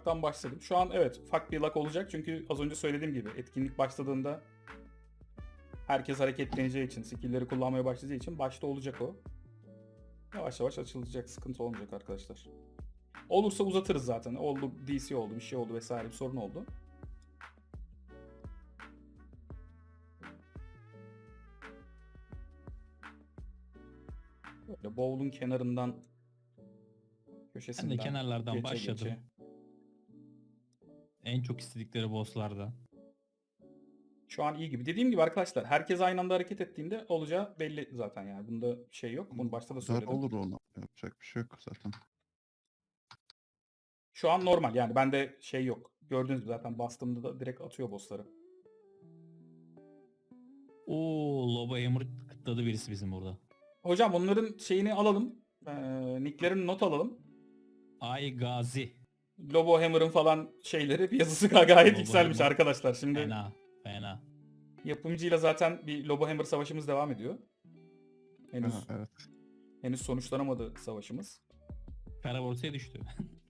ufaktan başladım. Şu an evet ufak bir lag olacak çünkü az önce söylediğim gibi etkinlik başladığında herkes hareketleneceği için, skill'leri kullanmaya başlayacağı için başta olacak o. Yavaş yavaş açılacak, sıkıntı olmayacak arkadaşlar. Olursa uzatırız zaten. Oldu, DC oldu, bir şey oldu vesaire bir sorun oldu. Böyle bowl'un kenarından Ben köşesinden de kenarlardan geçe başladım. geçe. En çok istedikleri bosslardan. Şu an iyi gibi. Dediğim gibi arkadaşlar herkes aynı anda hareket ettiğinde olacağı belli zaten yani. Bunda şey yok. Bunu başta da Dar söyledim. olur ona. Yapacak bir şey yok zaten. Şu an normal yani bende şey yok. Gördüğünüz gibi zaten bastığımda da direkt atıyor bossları. Oo, Lobo Hammer kıtladı birisi bizim burada. Hocam onların şeyini alalım. Nicklerini not alalım. Ay Gazi. Lobo Hammer'ın falan şeyleri yazısı gayet Lobo yükselmiş Hammer. arkadaşlar. Şimdi Fena. Fena. yapımcıyla zaten bir Lobo Hammer savaşımız devam ediyor. Henüz Ha, evet. henüz sonuçlanamadı savaşımız. Kara borsaya düştü.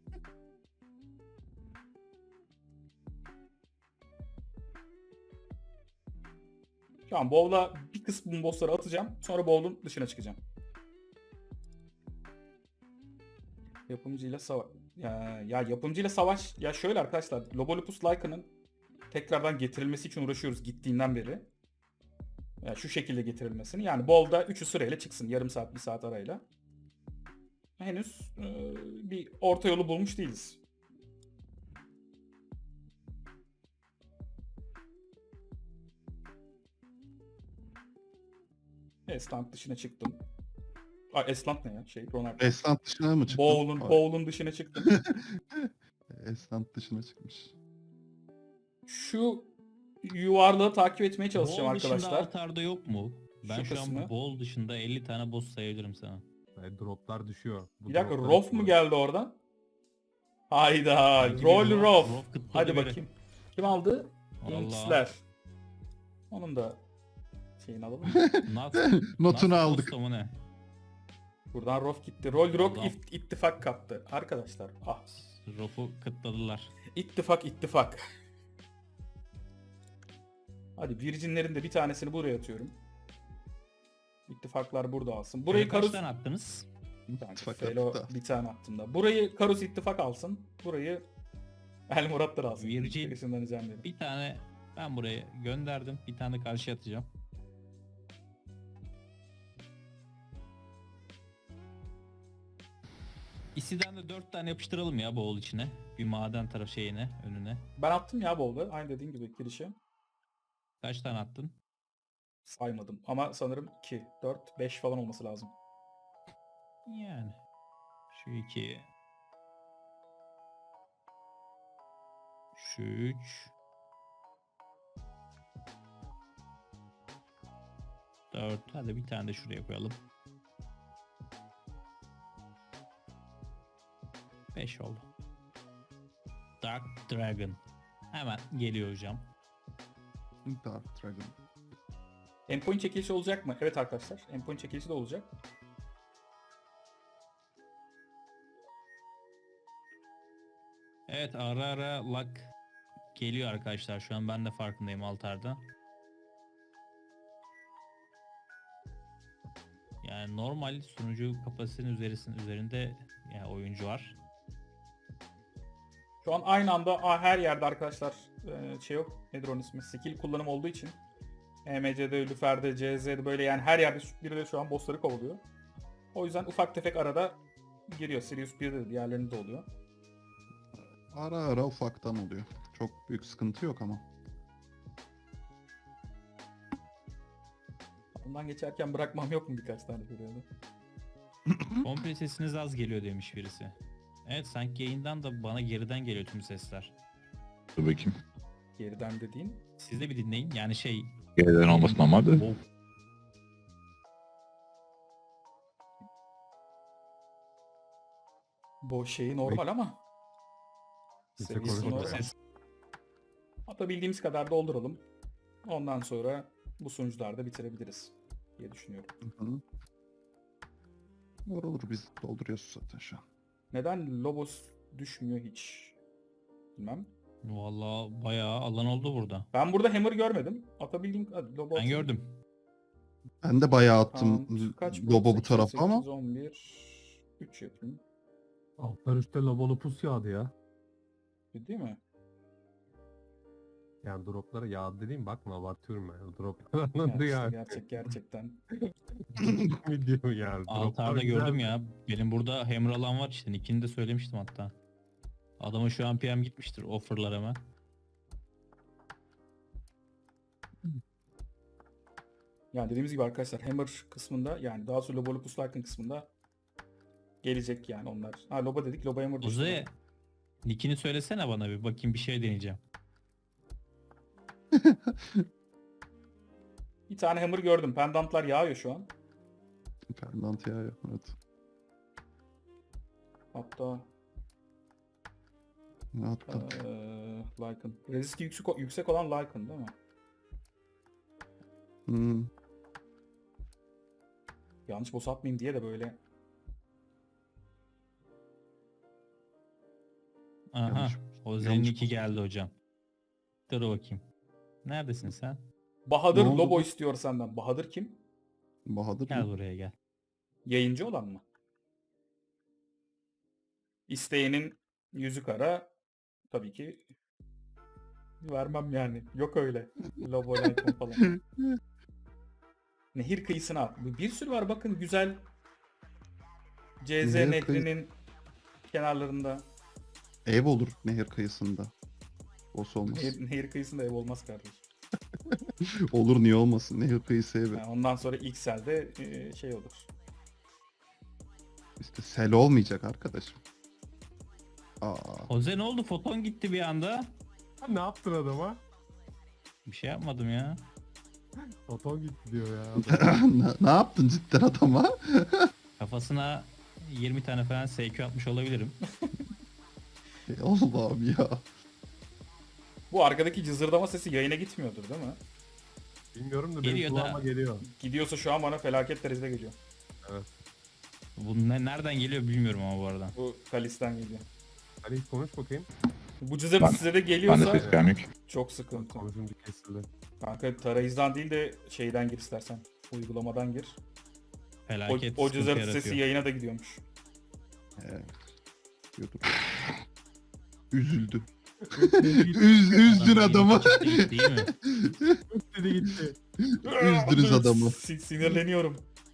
Şu an bowl'a bir kısmı bossları atacağım. Sonra bowl'un dışına çıkacağım. Yapımcıyla savaş. Ya yapımcıyla savaş. Ya şöyle arkadaşlar. Lobolopus Lycan'ın tekrardan getirilmesi için uğraşıyoruz gittiğinden beri. Ya şu şekilde getirilmesini. Yani bowl'da 3'ü sırayla çıksın. Yarım saat, bir saat arayla. Henüz bir orta yolu bulmuş değiliz. Eslant dışına çıktım. Eslant ne ya? Ronaldo. Eslant dışına mı çıktı? Bowl'un dışına çıktım. Eslant dışına çıkmış. Şu yuvarlığı takip etmeye çalışacağım Bol dışında arkadaşlar. altarda yok mu? Ben şu kısmı. an bol dışında 50 tane boss sayabilirim sana. Droplar düşüyor. Bu Bir dakika droplar Rof mu düşüyor. geldi oradan? Hayda. Sanki bir Roll Rof. Rof kıtladı Hadi biri. bakayım. Kim aldı? Allah. Inks'ler. Onun da şeyini alalım. Nat, Notunu Nat aldık. Bosta mı ne? Buradan Rof gitti. Roll Rock Adam. ittifak kaptı. Arkadaşlar. Ah. Rof'u kıtladılar. İttifak. Hadi Virgin'lerin de bir tanesini buraya atıyorum. İttifaklar burada alsın. Burayı Kaç Karus... tane attınız? İttifak Felo attı da. bir tane attım da. Burayı Karus ittifak alsın. Burayı El Muratlar alsın. Virgin. Gerisinden ricam ederim. Bir tane ben buraya gönderdim. Bir tane karşıya atacağım. İsiden de 4 tane yapıştıralım ya boğul içine. Bir maden taraf şeyine, önüne. Ben attım ya bolda. Aynı dediğin gibi girişe. Kaç tane attın? Saymadım. Ama sanırım 2, 4, 5 falan olması lazım. Yani. Şu 2. Şu 3. Dört. Hadi bir tane de şuraya koyalım. 5 oldu. Dark Dragon. Hemen geliyor hocam. Dark Dragon. Endpoint çekilişi olacak mı? Evet arkadaşlar. Endpoint çekilişi de olacak. Evet, ara ara lag geliyor arkadaşlar. Şu an ben de farkındayım altarda. Yani normal sunucu kapasitenin üzerinde yani oyuncu var. Şu an aynı anda her yerde arkadaşlar şey yok. Nedir onun ismi? Skill kullanım olduğu için. EMC'de, Lüfer'de, CZ'de böyle yani her yerde biri de şu an bossları kovalıyor. O yüzden ufak tefek arada giriyor. Sirius 1'de de diğerlerinde de oluyor. Ara ara ufaktan oluyor. Çok büyük sıkıntı yok ama. Ondan geçerken bırakmam yok mu birkaç tane görüyordu? Komple sesiniz az geliyor demiş birisi. Evet, sanki yayından da bana geriden geliyor tüm sesler. Dur bakayım. Geriden dediğin. Siz de bir dinleyin. Yani şey... Geriden olmasın ama da. Oh, Bu şeyi normal ama. Kimse Seviyesi konuşmadı normal. yani. Atabildiğimiz kadar dolduralım. Ondan sonra bu sonuçlarda bitirebiliriz diye düşünüyorum. Hı hı. Olur biz dolduruyoruz zaten şu an. Neden Lobos düşmüyor hiç? Bilmem. Vallahi bayağı alan oldu burada. Ben burada hammer görmedim. Atabildiğim... Hadi, lobo Ben atayım. gördüm. Ben de bayağı attım Count kaç lobo bu 8, tarafa 8, ama 11, 3 yapayım. Altlar üstte Lobolopus yağdı ya. Değil mi? Yani droplara yağdı dediğim bakma abartıyorum ben. Droplar anladı Yani ya. işte gerçekten. Video yani. Altarda gördüm ya. Benim burada hammer alan var işte. Nick'ini de söylemiştim hatta. Adamın şu an PM gitmiştir. Offer'lar hemen. Yani dediğimiz gibi arkadaşlar hammer kısmında yani daha sonra Lobolopus Lycan kısmında gelecek yani onlar. Ha loba dedik, loba hammer düştü. Oze, Nick'ini söylesene bana bir bakayım, bir şey deneyeceğim. Bir tane hammer gördüm. Pendantlar yağıyor şu an. pendant ya. Evet. Hatta Ne attım? Lycan. Resist yüksek olan Lycan değil mi? Hmm. Yanlış boss atmayayım diye de böyle. Aha. Yanlış- Oze'nin yanlış Nick'i geldi hocam. Dur bakayım. Neredesin sen? Bahadır Ne oldu lobo bu? istiyor senden. Bahadır kim? Bahadır Gel mı? buraya gel. Yayıncı olan mı? İsteyenin yüzü kara. Tabii ki vermem yani. Yok öyle. Lobo Lycan falan. Nehir kıyısına at. Bir sürü var bakın güzel. CZ Nehir kıyı- nehrinin kenarlarında. Ev olur nehir kıyısında. Boss olmaz. Nehir kıyısında ev olmaz kardeş. Olur niye olmasın? Nehir kıyısı evi. Yani ondan sonra XL'de şey olur. İşte sel olmayacak arkadaşım. Aa. Oze ne oldu? Foton gitti bir anda. Ha, ne yaptın adama? Bir şey yapmadım ya. Oton gitti diyor ya. Ne yaptın cidden adama? Kafasına 20 tane falan SQ atmış olabilirim. Allah'ım ya. Bu arkadaki cızırdama sesi yayına gitmiyordur değil mi? Bilmiyorum da Geliyor benim da. kulağıma geliyor. Gidiyorsa şu an bana felaket derecede geliyor. Bu nereden geliyor bilmiyorum ama bu arada. Bu Kalis'ten geliyor. Hadi hiç konuş bakayım. Bu cızırtı Ben- size de Ben de geliyorsa ses gelmiyor ki. çok sıkıntı. Konuşunca kesildi. Kanka tarayıcıdan değil de şeyden gir istersen. Uygulamadan gir. Felaket O sıkıntı cızırtı yaratıyor. sesi yayına da gidiyormuş. Evet. Diyordur. Üzüldü. Gitti Üzdün Adam adamı. çıktı gitti, değil mi? gitti. Üzdünüz adamı. Sinirleniyorum.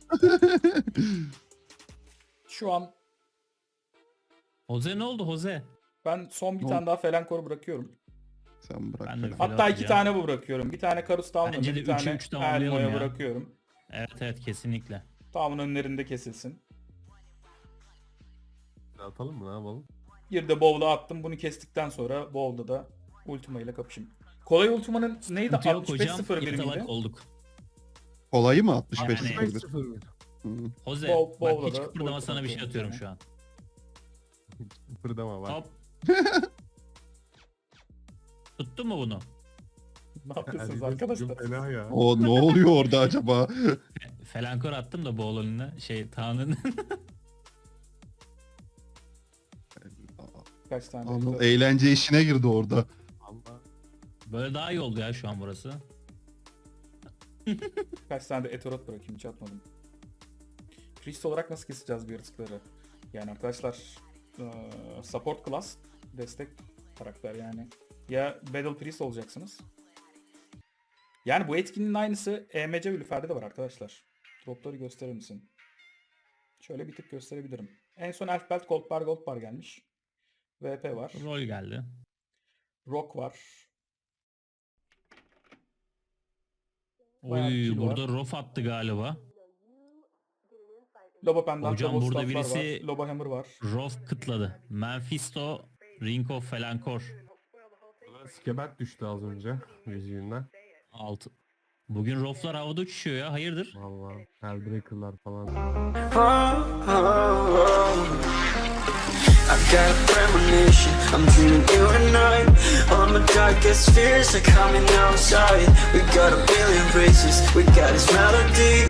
Şu an Jose ne oldu Jose? ben son bir Ne tane oldu? daha Felankor'u bırakıyorum. Sen bırak. Ben de falan. bir Hatta iki atacağım. tane bu bırakıyorum. Bir tane Karus Town'u, Bence de bir tane üçü üç tamamlayalım Elmo'ya ya. bırakıyorum. Evet kesinlikle. Town'un önlerinde kesilsin. Atalım mı ne yapalım? Bir de Bowl'a attım. Bunu kestikten sonra Bowl'da da Ultima ile kapışayım. Kolay Ultima'nın neydi? Sıkıntı yok hocam. 65-01 İrtalak miydi? olduk. Kolayı mı 65 Yani- 01? 5-0. Hı. Jose Bol- bak Bowl'da hiç da kıpırdama Ultima sana bir şey atıyorum atıyorum sana. şu an. Fırdama var. Hop. Tuttun mu bunu? Ne yapıyorsunuz Hadi arkadaşlar? bugün Fena ya. O ne oluyor orada acaba? Felankor attım da boğul önüne. Tanrı'nın. Kaç tane? Anıl eğlence işine girdi orada. Allah. Böyle daha iyi oldu ya şu an burası. Kaç tane de Etorot bırakayım, hiç atmadım. Priest olarak nasıl keseceğiz bu yaratıkları? Yani arkadaşlar support class, destek karakter yani. Ya Battle Priest olacaksınız. Yani bu etkinin aynısı EMC ve Lüfer'de de var arkadaşlar. Dropları gösterir misin? Şöyle bir tık gösterebilirim. En son Elf Belt Gold Bar gelmiş. VP var. Rol geldi. Rock var. Bayağı Oy kill var. burada Rof attı galiba. Loba Pendant, Hocam Lobo burada Staff'lar birisi- var. Loba Hammer var. Rof kıtladı. Mephisto, Ring of Felankor. Skebet düştü az önce yüzüğünden. 6. Bugün Rof'lar havada uçuşuyor ya. Hayırdır? Vallahi Hellbreaker'lar falan. I got a premonition, I'm dreaming you and I. All my darkest fears are coming outside. We got a billion races, we got this melody.